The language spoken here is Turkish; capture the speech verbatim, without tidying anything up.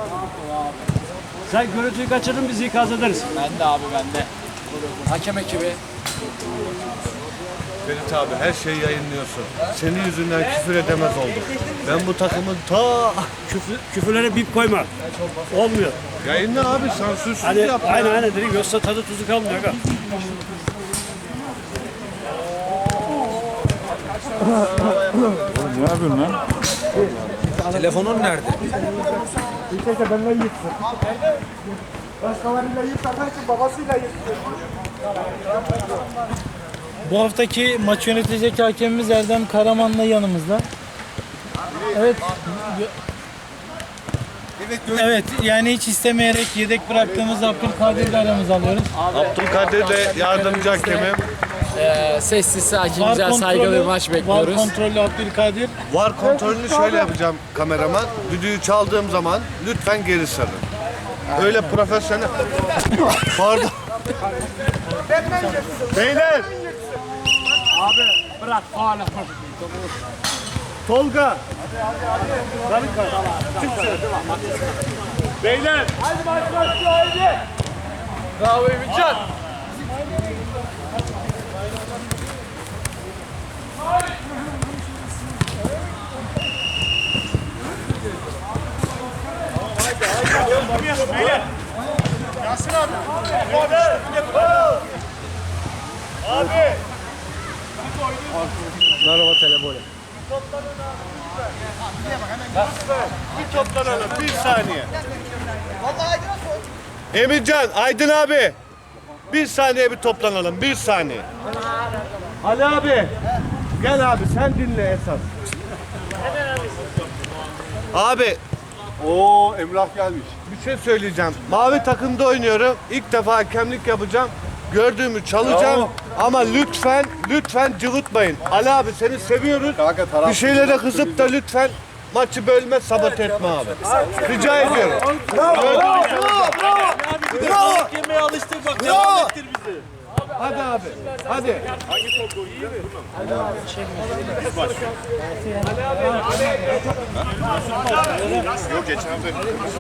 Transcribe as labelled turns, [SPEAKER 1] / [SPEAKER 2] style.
[SPEAKER 1] Sen görüntüyü kaçırdın, biz ikaz ederiz.
[SPEAKER 2] Ben de abi ben de. Hakem ekibi.
[SPEAKER 3] Ferit abi her şeyi yayınlıyorsun. Senin yüzünden küfür edemez oldum. Ben bu takımın ta...
[SPEAKER 1] Küfür, küfürlere bip koyma. Olmuyor.
[SPEAKER 3] Yayınla abi sansürsüz
[SPEAKER 1] Hani
[SPEAKER 3] yap.
[SPEAKER 1] aynen aynen dedik, yoksa tadı tuzu kalmıyor. Aga.
[SPEAKER 4] Ne yapıyorsun lan?
[SPEAKER 2] Telefonun nerede?
[SPEAKER 5] İlkece benimle yıksın. Başkalarıyla yıksamak için babasıyla yıksın.
[SPEAKER 6] Bu haftaki maç yönetecek hakemimiz Erdem Karaman'la yanımızda. Evet. Evet, yani hiç istemeyerek yedek bıraktığımız Abdülkadir'i aramıza alıyoruz.
[SPEAKER 3] Abdülkadir de yardımcı hakemim.
[SPEAKER 2] Ee, sessiz sakin güzel saygılı bir maç
[SPEAKER 6] Var
[SPEAKER 2] bekliyoruz.
[SPEAKER 6] kontrollü Abdülkadir.
[SPEAKER 3] Var kontrolünü şöyle yapacağım kameraman. Düdüğü çaldığım zaman lütfen geri sarın. Öyle profesyonel... Pardon. Beyler.
[SPEAKER 1] Bırak, hala.
[SPEAKER 3] Tolga.
[SPEAKER 1] Beyler.
[SPEAKER 2] Bravo Ümitcan.
[SPEAKER 3] Merhaba telefonu. Bir toplanalım bir saniye. Emircan, Aydın abi. Bir saniye bir toplanalım bir saniye. Ali abi. Gel abi sen dinle esas. Abi. Oo Emrah gelmiş. Bir şey söyleyeceğim. Mavi takımda oynuyorum. İlk defa hakemlik yapacağım. Gördüğümü çalacağım.
[SPEAKER 4] Bravo.
[SPEAKER 3] Ama lütfen, lütfen cıvıtmayın. Ali abi seni seviyoruz.
[SPEAKER 4] Kanka, taraf-
[SPEAKER 3] Bir şeylere kızıp da lütfen maçı bölme, sabote etme abi. Rica ediyorum. Bravo. Bravo.
[SPEAKER 6] Bravo. Yemeye alıştık bak. Devam ettir bizi.
[SPEAKER 3] Hadi abi. Hadi.
[SPEAKER 4] Yok geçen hafta.